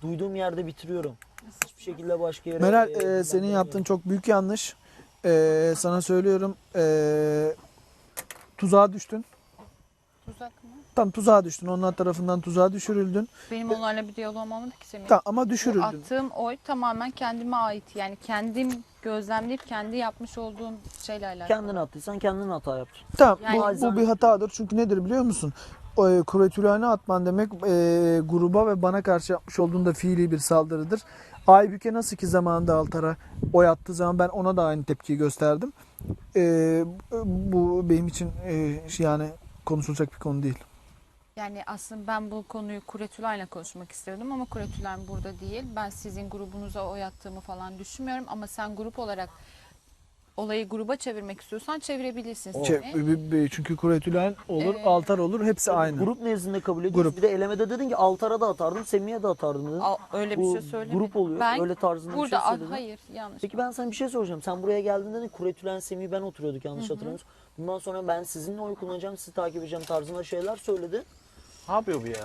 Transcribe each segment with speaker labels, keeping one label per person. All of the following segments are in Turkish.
Speaker 1: duyduğum yerde bitiriyorum. Hiçbir şekilde başka yere...
Speaker 2: Meral senin yaptığın çok büyük yanlış. Sana söylüyorum. Tuzağa düştün.
Speaker 3: Tuzak mı?
Speaker 2: Tam tuzağa düştün. Onlar tarafından tuzağa düşürüldün.
Speaker 3: Benim onlarla bir diyaloğum olmadı ki Semih.
Speaker 2: Tamam ama
Speaker 3: Bu
Speaker 2: düşürüldün.
Speaker 3: attığım oy tamamen kendime ait. Yani kendim gözlemleyip kendi yapmış olduğum şeyle alakalı.
Speaker 1: Kendin attıysan kendin hata yaptın.
Speaker 2: Tamam
Speaker 3: Yani-
Speaker 2: bu bir hatadır. Çünkü nedir biliyor musun? Kuretülayna atman demek gruba ve bana karşı yapmış olduğun da fiili bir saldırıdır. Aybüke nasıl ki zamanında Altar'a oy attığı zaman ben ona da aynı tepkiyi gösterdim. Bu benim için yani konuşulacak bir konu değil.
Speaker 3: Yani aslında ben bu konuyu Kuretülay'la konuşmak istiyordum ama Kuretülay burada değil. Ben sizin grubunuza oy attığımı falan düşünmüyorum ama sen grup olarak olayı gruba çevirmek istiyorsan çevirebilirsin. Semih.
Speaker 2: Çünkü Kuretülayn olur,
Speaker 3: Ee,
Speaker 2: Altar olur hepsi aynı.
Speaker 1: Grup nezdinde kabul ediyoruz.
Speaker 2: Grup.
Speaker 1: Bir de elemede dedin ki Altar'a da atardım, Semih'e de atardım dedin.
Speaker 3: Öyle bir
Speaker 1: Bu
Speaker 3: şey söylemedim.
Speaker 1: grup oluyor.
Speaker 3: Ben
Speaker 1: Öyle tarzında bir
Speaker 3: burada
Speaker 1: şey söyledin.
Speaker 3: hayır yanlış.
Speaker 1: Peki ben sana bir şey soracağım. Sen buraya geldiğinde de Kuretülen, Semih ben oturuyorduk yanlış hatırlamıyorsam. Bundan sonra ben sizinle oy kullanacağım, sizi takip edeceğim tarzında şeyler söyledi.
Speaker 4: Ne yapıyor bu ya?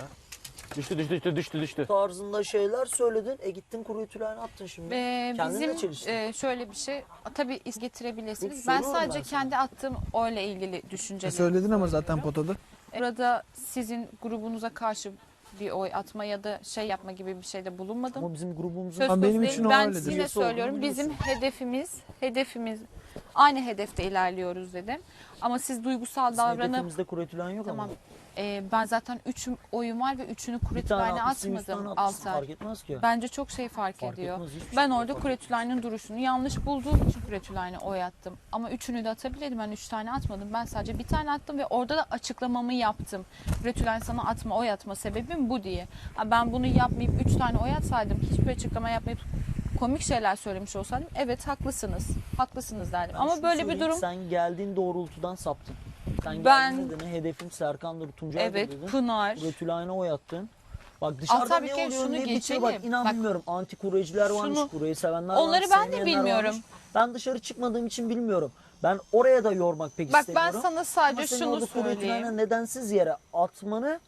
Speaker 4: Düştü.
Speaker 1: Tarzında şeyler söyledin. Gittin Kuretülen'i attın şimdi. Kendinle
Speaker 3: Bizim
Speaker 1: çeliştin.
Speaker 3: şöyle bir şey tabii iz getirebilirsiniz.
Speaker 1: Yok,
Speaker 3: Ben
Speaker 1: soruyorum
Speaker 3: sadece
Speaker 1: ben sana.
Speaker 3: kendi attığım oyla ilgili düşüncelerimi
Speaker 2: Söyledin ama zaten
Speaker 3: söylüyorum.
Speaker 2: potada.
Speaker 3: Burada sizin grubunuza karşı bir oy atma ya da şey yapma gibi bir şeyde bulunmadım.
Speaker 1: Ama bizim grubumuzun...
Speaker 3: Söz
Speaker 2: Ama
Speaker 3: konusu
Speaker 2: benim
Speaker 3: değil.
Speaker 2: için o
Speaker 3: Ben
Speaker 2: öyledir.
Speaker 3: yine
Speaker 1: Birisi olduğunu
Speaker 3: söylüyorum bizim
Speaker 1: biliyorsun.
Speaker 3: hedefimiz aynı hedefte ilerliyoruz dedim. Ama siz duygusal
Speaker 1: Bizim
Speaker 3: davranıp
Speaker 1: hedefimizde Kuretülen yok
Speaker 3: tamam.
Speaker 1: ama.
Speaker 3: Ben zaten 3 oyum var ve 3'ünü
Speaker 1: Bir tane
Speaker 3: Kuretülay'la
Speaker 1: atmışsın, 100 tane
Speaker 3: atmadım
Speaker 1: atmışsın.
Speaker 3: Altar.
Speaker 1: Fark etmez ki.
Speaker 3: Bence çok şey fark
Speaker 1: Fark
Speaker 3: ediyor.
Speaker 1: etmez, hiçbir şey
Speaker 3: Ben
Speaker 1: fark
Speaker 3: orada
Speaker 1: etmez.
Speaker 3: Kuretülay'ın duruşunu yanlış bulduğum için Kuretülay'ına oy attım. Ama 3'ünü de atabilirdim. Ben 3 tane atmadım. Ben sadece bir tane attım ve orada da açıklamamı yaptım. Kuretülay sana atma, oy atma sebebim bu diye. Ben bunu yapmayıp 3 tane oy atsaydım, hiçbir açıklama yapmayıp komik şeyler söylemiş olsaydım evet haklısınız. Haklısınız derdim.
Speaker 1: Ben
Speaker 3: Ama
Speaker 1: şunu
Speaker 3: böyle bir
Speaker 1: söyleyeyim,
Speaker 3: durum
Speaker 1: Sen geldiğin doğrultudan saptın. Sen
Speaker 3: Ben-
Speaker 1: geldiğinde de hedefim Serkan'dır, Tuncay'dır
Speaker 3: evet
Speaker 1: dedin.
Speaker 3: Pınar.
Speaker 1: Kuretülay'ına oy attın. Bak dışarıda
Speaker 3: Altar, bir
Speaker 1: ne
Speaker 3: kere
Speaker 1: oluyor
Speaker 3: şunu
Speaker 1: ne bitiyor bak
Speaker 3: geçelim.
Speaker 1: inan
Speaker 3: Bak,
Speaker 1: bilmiyorum. Anti kureciler varmış,
Speaker 3: şunu-
Speaker 1: kureyi sevenler
Speaker 3: Onları
Speaker 1: varmış,
Speaker 3: ben de
Speaker 1: sevmeyenler
Speaker 3: bilmiyorum.
Speaker 1: varmış. Ben dışarı çıkmadığım için bilmiyorum. Ben oraya da yormak pek
Speaker 3: Bak ben
Speaker 1: istemiyorum.
Speaker 3: sana sadece
Speaker 1: Ama senin
Speaker 3: şunu
Speaker 1: orada Kuretülay'ına
Speaker 3: söyleyeyim.
Speaker 1: nedensiz yere atmanı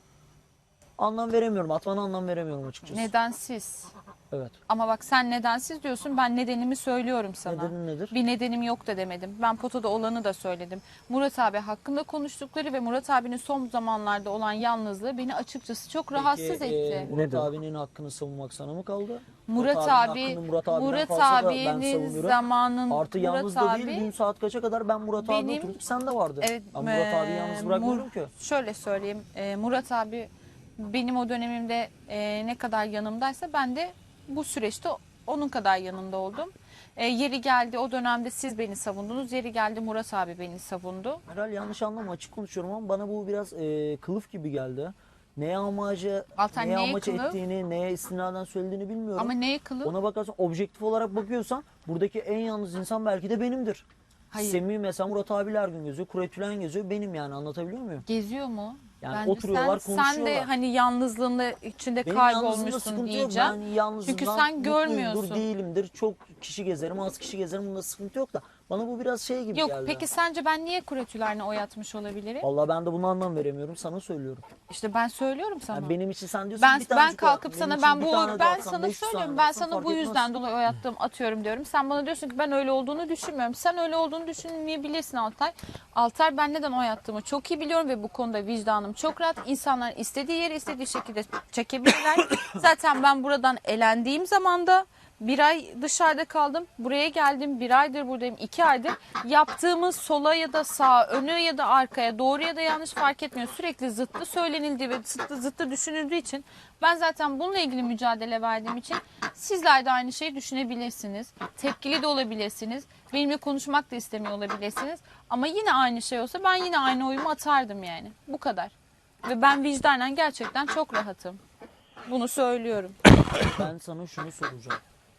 Speaker 1: anlam veremiyorum. Atmana anlam veremiyorum açıkçası.
Speaker 3: Nedensiz.
Speaker 1: Evet.
Speaker 3: Ama bak sen nedensiz diyorsun, ben nedenimi söylüyorum sana.
Speaker 1: Nedenin nedir?
Speaker 3: Bir nedenim yok da demedim. Ben potada olanı da söyledim. Murat abi hakkında konuştukları ve Murat abinin son zamanlarda olan yalnızlığı beni açıkçası çok rahatsız etti.
Speaker 1: Murat
Speaker 4: Nedir?
Speaker 1: abinin hakkını savunmak sana mı kaldı?
Speaker 3: Murat
Speaker 1: abinin
Speaker 3: abi,
Speaker 1: hakkını Murat abiden
Speaker 3: Murat
Speaker 1: fazla da ben
Speaker 3: abinin
Speaker 1: savunuyorum.
Speaker 3: zamanın
Speaker 1: Artı yalnız
Speaker 3: Murat
Speaker 1: da
Speaker 3: abi,
Speaker 1: değil dün saat kaça kadar ben Murat abi
Speaker 3: benim-
Speaker 1: oturduk sen de vardın.
Speaker 3: Evet,
Speaker 1: Ben Murat abi yalnız bırakmıyorum ki.
Speaker 3: Şöyle söyleyeyim, Murat abi benim o dönemimde ne kadar yanımdaysa ben de bu süreçte onun kadar yanında oldum. Yeri geldi o dönemde siz beni savundunuz, yeri geldi Murat abi beni savundu.
Speaker 1: Herhalde yanlış anlama açık konuşuyorum ama bana bu biraz kılıf gibi geldi. Neye amacı,
Speaker 3: Altan,
Speaker 1: neye
Speaker 3: neye
Speaker 1: amaç
Speaker 3: kılıf?
Speaker 1: ettiğini, neye istinaden söylediğini bilmiyorum.
Speaker 3: Ama neye kılıf?
Speaker 1: Ona bakarsan objektif olarak bakıyorsan buradaki en yalnız insan belki de benimdir.
Speaker 3: Hayır.
Speaker 1: Semih mesela Murat abiyle her gün geziyor, Kuretülen geziyor benim yani anlatabiliyor muyum?
Speaker 3: Geziyor mu?
Speaker 1: Yani
Speaker 3: Bence
Speaker 1: oturuyorlar,
Speaker 3: sen de
Speaker 1: konuşuyorlar.
Speaker 3: hani yalnızlığında içinde
Speaker 1: Benim yalnızlığımda
Speaker 3: kaybolmuşsun
Speaker 1: sıkıntı yok.
Speaker 3: diyeceğim.
Speaker 1: Ben yalnızlığımdan
Speaker 3: Çünkü sen
Speaker 1: mutluyumdur,
Speaker 3: görmüyorsun.
Speaker 1: değilimdir. Çok kişi gezerim, az kişi gezerim. Bunda sıkıntı yok da. Bana bu biraz şey gibi
Speaker 3: Yok
Speaker 1: geldi.
Speaker 3: peki sence ben niye Kuretüler'ine oy atmış olabilirim?
Speaker 1: Vallahi ben de buna anlam veremiyorum. Sana söylüyorum.
Speaker 3: İşte ben söylüyorum sana.
Speaker 1: Yani benim için sen diyorsun
Speaker 3: Ben
Speaker 1: bir tanecik
Speaker 3: kalkıp
Speaker 1: oy
Speaker 3: sana
Speaker 1: at.
Speaker 3: ben
Speaker 1: Benim için bir tane de
Speaker 3: ben
Speaker 1: atsan,
Speaker 3: sana
Speaker 1: 500 tane
Speaker 3: söylüyorum.
Speaker 1: de
Speaker 3: Ben
Speaker 1: atsan
Speaker 3: sana
Speaker 1: fark
Speaker 3: bu
Speaker 1: etmez.
Speaker 3: yüzden dolayı oy atıyorum diyorum. Sen bana diyorsun ki ben öyle olduğunu düşünmüyorum. Sen öyle olduğunu düşünmeyebilirsin Altay. Altay ben neden oy attığımı çok iyi biliyorum ve bu konuda vicdanım çok rahat. İnsanlar istediği yeri istediği şekilde çekebilirler. Zaten ben buradan elendiğim zaman da bir ay dışarıda kaldım. Buraya geldim. Bir aydır buradayım. 2 aydır. Yaptığımız sola ya da sağa, önü ya da arkaya, doğru ya da yanlış fark etmiyor. Sürekli zıttı söylenildiği ve zıttı düşünüldüğü için ben zaten bununla ilgili mücadele verdiğim için sizler de aynı şeyi düşünebilirsiniz. Tepkili de olabilirsiniz. Benimle konuşmak da istemiyor olabilirsiniz. Ama yine aynı şey olsa ben yine aynı oyumu atardım yani. Bu kadar. Ve ben vicdanen gerçekten çok rahatım. Bunu söylüyorum.
Speaker 1: Ben sana şunu soracağım.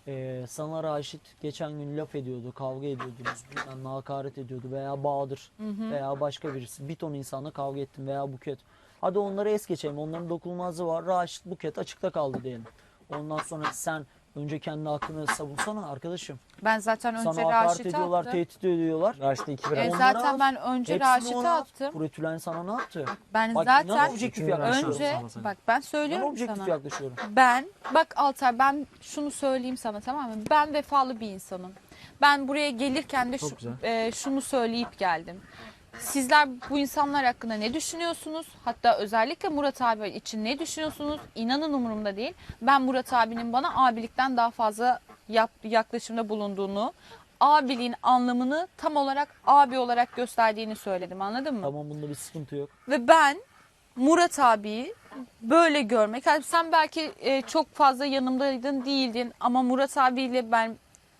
Speaker 1: Sana Raşit geçen gün laf ediyordu, kavga ediyordunuz, bilmem ne hakaret ediyordu veya Bahadır veya başka birisi. Bir ton insanla kavga ettin veya Buket. Hadi onları es geçelim. Onların dokunulmazlığı var. Raşit, Buket açıkta kaldı diyelim. Ondan sonra sen Önce kendi hakkını savunsana arkadaşım.
Speaker 3: Ben zaten önce
Speaker 1: Sana hakaret
Speaker 3: Raşit'e
Speaker 1: ediyorlar,
Speaker 3: attım.
Speaker 1: tehdit ediyorlar.
Speaker 4: Raşit'e 2-1
Speaker 1: Onlara
Speaker 3: Zaten
Speaker 1: at.
Speaker 3: ben önce
Speaker 1: Hepsini
Speaker 3: Raşit'e
Speaker 1: ona at.
Speaker 3: attım.
Speaker 1: Kuretülen sana ne yaptı?
Speaker 3: Ben
Speaker 1: Bak inan
Speaker 3: zaten
Speaker 1: objektif
Speaker 4: Üçüncü
Speaker 1: yaklaşıyorum.
Speaker 3: önce
Speaker 4: sana sen.
Speaker 3: bak ben
Speaker 1: Ben
Speaker 3: söylüyorum
Speaker 1: objektif
Speaker 3: sana.
Speaker 1: yaklaşıyorum.
Speaker 3: Bak Altay, ben şunu söyleyeyim sana, tamam mı? Ben vefalı bir insanım. Ben buraya gelirken de
Speaker 4: Çok güzel.
Speaker 3: şunu söyleyip geldim. Sizler bu insanlar hakkında ne düşünüyorsunuz? Hatta özellikle Murat abi için ne düşünüyorsunuz? İnanın umurumda değil. Ben Murat abinin bana abilikten daha fazla yaklaşımda bulunduğunu, abiliğin anlamını tam olarak abi olarak gösterdiğini söyledim, anladın mı?
Speaker 1: Tamam, bunda bir sıkıntı yok.
Speaker 3: Ve ben Murat abiyi böyle görmek, yani sen belki çok fazla yanımdaydın, değildin, ama Murat abiyle ben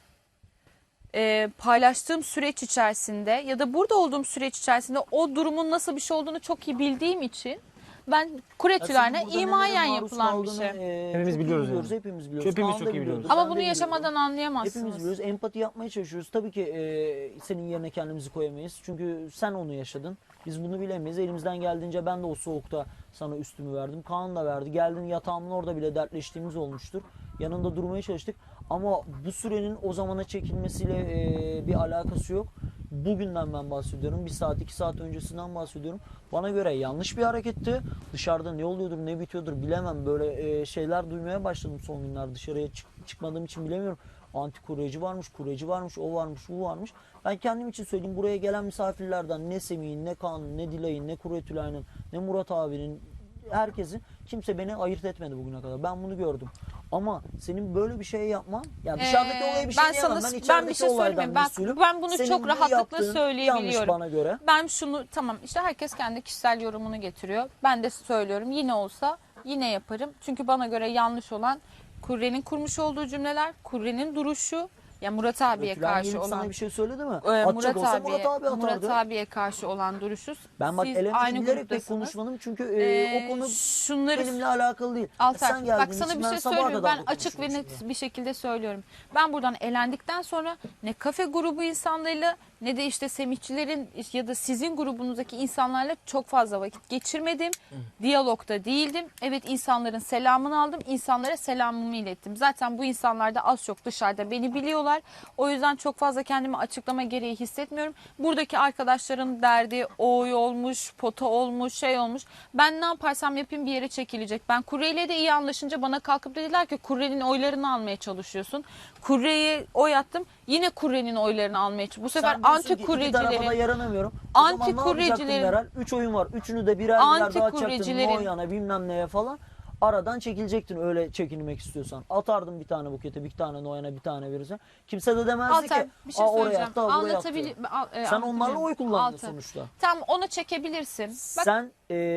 Speaker 3: paylaştığım süreç içerisinde ya da burada olduğum süreç içerisinde o durumun nasıl bir şey olduğunu çok iyi bildiğim için ben kuretülerine
Speaker 1: Ya senin burada
Speaker 3: imayen
Speaker 1: nelere maruz
Speaker 3: yapılan bir
Speaker 1: kaldığını,
Speaker 3: şey.
Speaker 4: Hepimiz
Speaker 1: çok iyi
Speaker 4: biliyoruz yani.
Speaker 1: Hepimiz biliyoruz.
Speaker 4: Hepimiz
Speaker 1: Kaan da
Speaker 4: çok iyi
Speaker 1: biliyordu,
Speaker 4: biliyoruz.
Speaker 3: Ama
Speaker 1: ben de
Speaker 3: bunu
Speaker 1: biliyorum.
Speaker 3: yaşamadan anlayamazsınız.
Speaker 1: Hepimiz biliyoruz. Empati yapmaya çalışıyoruz. Tabii ki senin yerine kendimizi koyamayız. Çünkü sen onu yaşadın. Biz bunu bilemeyiz. Elimizden geldiğince ben de o soğukta sana üstümü verdim. Kaan da verdi. Geldin yatağımın orada bile dertleştiğimiz olmuştur. Yanında durmaya çalıştık. Ama bu sürenin o zamana çekilmesiyle bir alakası yok. Bugünden ben bahsediyorum. 1 saat 2 saat öncesinden bahsediyorum. Bana göre yanlış bir hareketti. Dışarıda ne oluyordur ne bitiyordur bilemem. Böyle şeyler duymaya başladım son günler. Dışarıya çıkmadığım için bilemiyorum. Anti kuryeci varmış, kuryeci varmış, o varmış, bu varmış. Ben kendim için söyleyeyim, buraya gelen misafirlerden ne Semih'in, ne Kaan'ın, ne Dilay'ın, ne Kuretülay'ın, ne Murat abinin, herkesin, kimse beni ayırt etmedi bugüne kadar. Ben bunu gördüm. Ama senin böyle bir şey yapman, ya dışarıdaki olaya bir şey
Speaker 3: ben
Speaker 1: diyemem.
Speaker 3: sana,
Speaker 1: Ben
Speaker 3: ben
Speaker 1: içerideki
Speaker 3: bir şey söyleyeyim.
Speaker 1: olaydan
Speaker 3: Ben,
Speaker 1: mesulüm.
Speaker 3: ben bunu
Speaker 1: Senin
Speaker 3: çok
Speaker 1: bu
Speaker 3: rahatlıkla
Speaker 1: yaptığın yanlış
Speaker 3: söyleyebiliyorum.
Speaker 1: bana göre.
Speaker 3: Ben şunu, tamam işte herkes kendi kişisel yorumunu getiriyor. Ben de söylüyorum, yine olsa yine yaparım. Çünkü bana göre yanlış olan Kurre'nin kurmuş olduğu cümleler, Kurre'nin duruşu. Ya Murat abiye
Speaker 1: Kuretülen
Speaker 3: karşı
Speaker 1: gelip
Speaker 3: olan
Speaker 1: sana bir şey söyledi mi?
Speaker 3: Murat
Speaker 1: Atacak olsa
Speaker 3: abiye,
Speaker 1: Murat abi
Speaker 3: Murat
Speaker 1: atardı.
Speaker 3: abiye karşı olan duruşu.
Speaker 1: Ben bak
Speaker 3: Siz
Speaker 1: elemeci
Speaker 3: aynı
Speaker 1: bilerek pek
Speaker 3: gruptasınız.
Speaker 1: konuşmadım çünkü o konu
Speaker 3: şunları
Speaker 1: benimle alakalı değil.
Speaker 3: Altar,
Speaker 1: Sen geldiğin
Speaker 3: bak sana
Speaker 1: için
Speaker 3: bir
Speaker 1: ben
Speaker 3: şey
Speaker 1: sabaha
Speaker 3: söylüyorum.
Speaker 1: kadar
Speaker 3: Ben
Speaker 1: da
Speaker 3: açık ve
Speaker 1: konuşurum
Speaker 3: net bir şekilde söylüyorum. Ben buradan elendikten sonra ne kafe grubu insanlarıyla ne de işte Semihçilerin ya da sizin grubunuzdaki insanlarla çok fazla vakit geçirmedim. Diyalogda değildim. Evet, insanların selamını aldım. İnsanlara selamımı ilettim. Zaten bu insanlar da az çok dışarıda beni biliyorlar. O yüzden çok fazla kendimi açıklama gereği hissetmiyorum. Buradaki arkadaşların derdi oy olmuş, pota olmuş, şey olmuş. Ben ne yaparsam yapayım bir yere çekilecek. Ben Kurre'yle de iyi anlaşınca bana kalkıp dediler ki Kurre'nin oylarını almaya çalışıyorsun. Kurre'ye oy attım. Yine Kurre'nin oylarını almaya çalışıyorum. Bu sefer
Speaker 1: Sen diyorsun ki
Speaker 3: anti
Speaker 1: iki tarafa da
Speaker 3: Kurre'cilerin
Speaker 1: yaranamıyorum.
Speaker 3: Anti
Speaker 1: O zaman ne yapacaktın
Speaker 3: kuryecilerin-
Speaker 1: Meral? 3 oyun var. Üçünü de birer
Speaker 3: Anti
Speaker 1: birer dağıtacaktın.
Speaker 3: kuryecilerin-
Speaker 1: Noyan'a bilmem neye falan. Aradan çekilecektin öyle çekinmek istiyorsan. Atardın bir tane Buket'e, bir tane Noyan'a, bir tane verirsen. Kimse de demezdi
Speaker 3: Altar,
Speaker 1: ki
Speaker 3: bir şey
Speaker 1: oraya
Speaker 3: söyleyeceğim.
Speaker 1: attı, buraya attı. Sen onlarla oy kullandın
Speaker 3: Altar.
Speaker 1: sonuçta.
Speaker 3: Tam onu çekebilirsin. Bak,
Speaker 1: Sen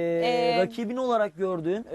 Speaker 1: rakibin olarak gördüğün,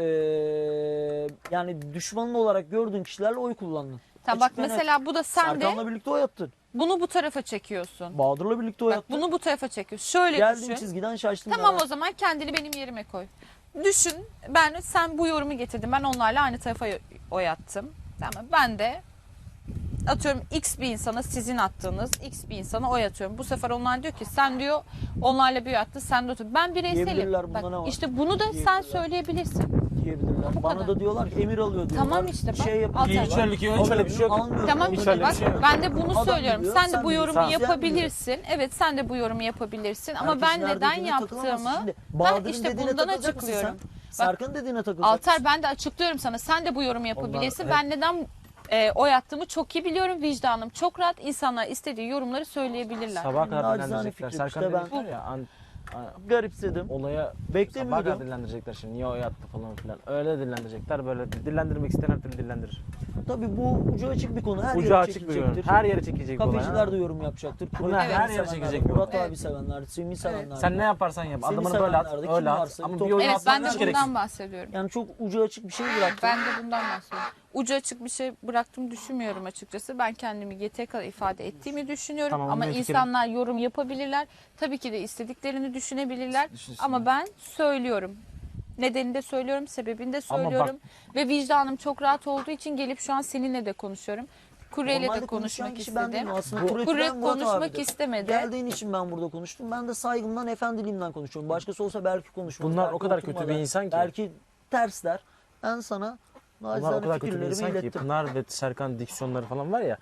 Speaker 1: yani düşmanın olarak gördüğün kişilerle oy kullandın.
Speaker 3: tamam, bak
Speaker 1: Açık ve net.
Speaker 3: mesela bu da sen de
Speaker 1: Serkan'la birlikte oy attın.
Speaker 3: bunu bu tarafa çekiyorsun.
Speaker 1: Bahadır'la birlikte oy
Speaker 3: Bak
Speaker 1: attın.
Speaker 3: bunu bu tarafa çekiyorsun. Şöyle
Speaker 1: Geldiğin
Speaker 3: düşün.
Speaker 1: çizgiden şaştın.
Speaker 3: Tamam,
Speaker 1: Meral.
Speaker 3: o zaman kendini benim yerime koy. Düşün, sen bu yorumu getirdin. Ben onlarla aynı tarafa oy attım. Tamam, ben de atıyorum X bir insana, sizin attığınız X bir insana oy atıyorum. Bu sefer onlar diyor ki sen diyor onlarla bir oy attın, sen de otur. Ben bireyselim.
Speaker 1: Diyebilirler, bunda
Speaker 3: Bak
Speaker 1: ne var?
Speaker 3: işte bunu da sen
Speaker 1: Diyebilirler.
Speaker 3: söyleyebilirsin.
Speaker 1: Diyebilirler.
Speaker 3: Bu
Speaker 1: Bana
Speaker 3: kadar.
Speaker 1: da diyorlar ki emir alıyor diyorlar.
Speaker 3: Tamam işte bak,
Speaker 1: Şey
Speaker 3: Altar.
Speaker 1: yapıyor.
Speaker 4: Hiç öyle bir şey yok.
Speaker 1: Almıyor.
Speaker 3: Tamam
Speaker 4: Hiç
Speaker 3: işte
Speaker 4: öyle bir
Speaker 3: bak,
Speaker 4: şey yok.
Speaker 3: ben de bunu
Speaker 1: Adam
Speaker 3: söylüyorum.
Speaker 1: biliyor,
Speaker 3: Sen de
Speaker 1: sen
Speaker 3: bu
Speaker 1: biliyorsun.
Speaker 3: yorumu
Speaker 1: Sen
Speaker 3: yapabilirsin. Evet, sen de bu yorumu yapabilirsin. Ama
Speaker 1: Herkesin
Speaker 3: ben
Speaker 1: her
Speaker 3: neden
Speaker 1: dediğine takılamazsın.
Speaker 3: yaptığımı
Speaker 1: Şimdi
Speaker 3: ben
Speaker 1: Bahadır'ın
Speaker 3: işte
Speaker 1: dediğine
Speaker 3: bundan
Speaker 1: takılacak mısın
Speaker 3: açıklıyorum.
Speaker 1: sen? Serkan'ın dediğine takılacaksın.
Speaker 3: Altar, ben de açıklıyorum sana. Sen de bu yorumu yapabilirsin.
Speaker 1: Onlar-
Speaker 3: Ben neden oy attığımı çok iyi biliyorum. Vicdanım çok rahat. İnsanlar istediği yorumları söyleyebilirler.
Speaker 4: Sabaha kadar
Speaker 1: Nacizane
Speaker 4: dillendirecekler.
Speaker 1: fikrim
Speaker 4: Serkan
Speaker 1: işte ben-
Speaker 4: dedikler ya
Speaker 1: Garipsedim.
Speaker 4: olaya sabaha
Speaker 1: Beklemiyordum.
Speaker 4: kadar dillendirecekler şimdi. Niye oy attı falan filan. Öyle dillendirecekler. Böyle dillendirmek isteyen her türlü dillendirir.
Speaker 1: Tabii bu ucu açık bir konu. Her
Speaker 4: Ucu
Speaker 1: yere
Speaker 4: açık bir yorum.
Speaker 1: çekilecektir.
Speaker 4: Her yere çekecek bu olay.
Speaker 1: Kafeciler de yorum yapacaktır.
Speaker 4: Bunlar
Speaker 1: Kuretülen'i
Speaker 4: her yere
Speaker 1: sevenler,
Speaker 4: çekecek bir
Speaker 1: Murat
Speaker 3: olay.
Speaker 1: abi sevenler, Semih sevenler.
Speaker 4: Sen ne yaparsan yap.
Speaker 1: Seni
Speaker 4: Adamını böyle at.
Speaker 1: sevenler de kim
Speaker 4: Öyle at.
Speaker 1: varsa,
Speaker 4: Ama
Speaker 1: top-
Speaker 4: bir oyun
Speaker 3: Evet, ben de
Speaker 4: atman gereksin.
Speaker 3: bundan bahsediyorum.
Speaker 1: Yani çok ucu açık bir şey bıraktın.
Speaker 3: Ben de bundan bahsediyorum. Ucu açık bir şey bıraktım düşünmüyorum açıkçası. Ben kendimi yeteri kadar ifade ettiğimi düşünüyorum.
Speaker 4: Tamam,
Speaker 3: ama
Speaker 4: benim fikrim.
Speaker 3: insanlar yorum yapabilirler. Tabii ki de istediklerini düşünebilirler. Ama ben söylüyorum. Nedenini de söylüyorum, sebebini de
Speaker 4: Ama
Speaker 3: söylüyorum. Ve vicdanım çok rahat olduğu için gelip şu an seninle de konuşuyorum. Kurre'yle
Speaker 1: Normalde
Speaker 3: de
Speaker 1: konuşan
Speaker 3: konuşmak
Speaker 1: kişi ben
Speaker 3: istedim.
Speaker 1: değilim. Aslında
Speaker 3: Kurre
Speaker 1: Kuretülen Murat
Speaker 3: konuşmak
Speaker 1: abidir.
Speaker 3: istemedi.
Speaker 1: Geldiğin için ben burada konuştum. Ben de saygımdan, efendiliğimden konuşuyorum. Başkası olsa belki konuşmaz.
Speaker 4: Bunlar
Speaker 1: belki
Speaker 4: o kadar kötü
Speaker 1: oturmaz,
Speaker 4: bir insan ki.
Speaker 1: Belki tersler. Ben sana
Speaker 4: Bunlar o
Speaker 1: Naçizane
Speaker 4: kadar kötü bir
Speaker 1: fikirlerimi
Speaker 4: insan ki
Speaker 1: ilettim.
Speaker 4: Pınar ve Serkan diksiyonları falan var ya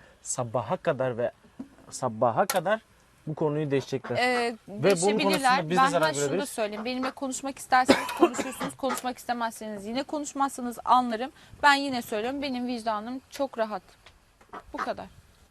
Speaker 4: sabaha kadar bu konuyu değişecekler. bunun
Speaker 3: Değişebilirler.
Speaker 4: konusunda biz de
Speaker 3: Ben
Speaker 4: zarar
Speaker 3: hemen şunu da
Speaker 4: görebiliriz.
Speaker 3: söyleyeyim. Benimle konuşmak isterseniz konuşursunuz. Konuşmak istemezseniz yine konuşmazsanız anlarım. Ben yine söylüyorum. Benim vicdanım çok rahat. Bu kadar.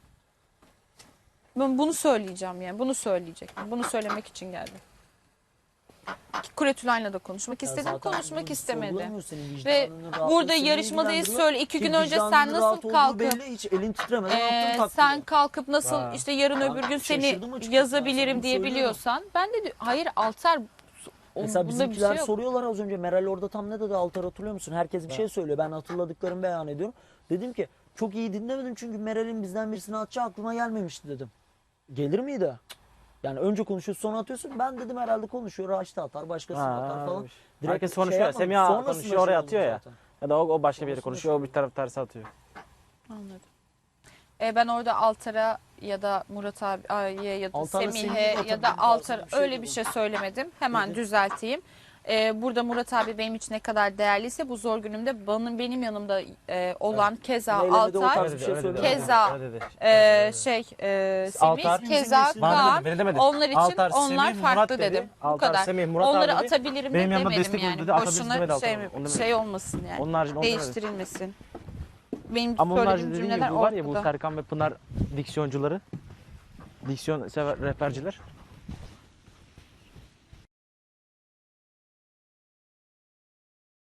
Speaker 3: Ben bunu söyleyeceğim yani. Bunu söyleyecektim. Bunu söylemek için geldim. Kuretülay'la da konuşmak
Speaker 1: Ya
Speaker 3: istedim.
Speaker 1: zaten
Speaker 3: Konuşmak
Speaker 1: bunu
Speaker 3: istemedi.
Speaker 1: sorgulamıyor senin
Speaker 3: Ve
Speaker 1: vicdanının rahatlığı
Speaker 3: burada
Speaker 1: seni
Speaker 3: yarışmadayız
Speaker 1: ilgilendiriyor.
Speaker 3: söyle. 2
Speaker 1: Ki
Speaker 3: gün önce sen
Speaker 1: vicdanının
Speaker 3: nasıl
Speaker 1: rahat olduğu
Speaker 3: kalkıp
Speaker 1: belli, hiç elin titremeden attın taktiği.
Speaker 3: sen kalkıp nasıl
Speaker 4: Ha.
Speaker 3: işte yarın
Speaker 1: Ben
Speaker 3: öbür gün seni
Speaker 1: şaşırdım açıkçası. Ben sana
Speaker 3: yazabilirim
Speaker 1: bunu
Speaker 3: diye
Speaker 1: söylüyorum.
Speaker 3: biliyorsan ben de hayır Altar
Speaker 1: Mesela
Speaker 3: bunda bir
Speaker 1: bizimkiler
Speaker 3: şey yok.
Speaker 1: soruyorlar az önce Meral orada tam ne dedi Altar hatırlıyor musun? Herkes bir şey söylüyor. Ben hatırladıklarımı beyan ediyorum. Dedim ki çok iyi dinlemedim çünkü Meral'in bizden birisini atacağı aklıma gelmemişti dedim. Gelir miydi? Yani önce konuşuyorsun sonra atıyorsun. Ben dedim herhalde konuşuyor. Raşit atar başkası atar falan. Direkt
Speaker 4: Herkes
Speaker 1: şey
Speaker 4: konuşuyor ya.
Speaker 1: yapmadım.
Speaker 4: Semiha
Speaker 1: Sonrasında
Speaker 4: konuşuyor oraya
Speaker 1: şey
Speaker 4: atıyor
Speaker 1: oldu
Speaker 4: ya.
Speaker 1: zaten.
Speaker 4: Ya da o başka bir yere
Speaker 1: Sonrasında
Speaker 4: konuşuyor. O
Speaker 1: şey
Speaker 4: bir taraf tersi atıyor.
Speaker 3: Anladım. Ben orada Altar'a ya da Murat abiye ya da
Speaker 1: Altar'la
Speaker 3: Semih'e
Speaker 1: Semih'in
Speaker 3: ya da
Speaker 1: atabilirim
Speaker 3: Altar
Speaker 1: tarzı bir şey
Speaker 3: öyle
Speaker 1: dedim.
Speaker 3: bir şey söylemedim. Hemen
Speaker 1: Dedi.
Speaker 3: düzelteyim. Burada Murat abi benim için ne kadar değerliyse bu zor günümde benim yanımda olan keza
Speaker 1: Meylemede o
Speaker 3: Altar,
Speaker 1: tarz bir şey söyledi.
Speaker 3: Keza,
Speaker 4: öyle dedi.
Speaker 3: Semih,
Speaker 4: Altar,
Speaker 3: keza
Speaker 1: bizim
Speaker 3: Kaan.
Speaker 4: Beni demedi.
Speaker 3: Onlar için
Speaker 4: Altar,
Speaker 3: onlar
Speaker 4: Semih,
Speaker 3: farklı
Speaker 4: Murat dedi.
Speaker 3: dedim. Bu
Speaker 4: Altar,
Speaker 3: kadar.
Speaker 4: Semih, Murat
Speaker 3: Onları
Speaker 4: abi dedi.
Speaker 3: atabilirim
Speaker 4: Benim
Speaker 3: de
Speaker 4: yanımda
Speaker 3: demedim
Speaker 4: destek oldu
Speaker 3: yani.
Speaker 4: dedi, atabiliriz demedi
Speaker 3: Boşuna
Speaker 4: Altar.
Speaker 3: şey,
Speaker 4: Onu demedi.
Speaker 3: şey olmasın yani.
Speaker 4: Onun haricinde onu demedi.
Speaker 3: Değiştirilmesin. Benim
Speaker 4: Ama onlar
Speaker 3: söylediğim
Speaker 4: dediğim gibi
Speaker 3: cümleler
Speaker 4: bu var ya bu
Speaker 3: ortada.
Speaker 4: Serkan ve Pınar diksiyoncuları. Diksiyon sever rehberciler.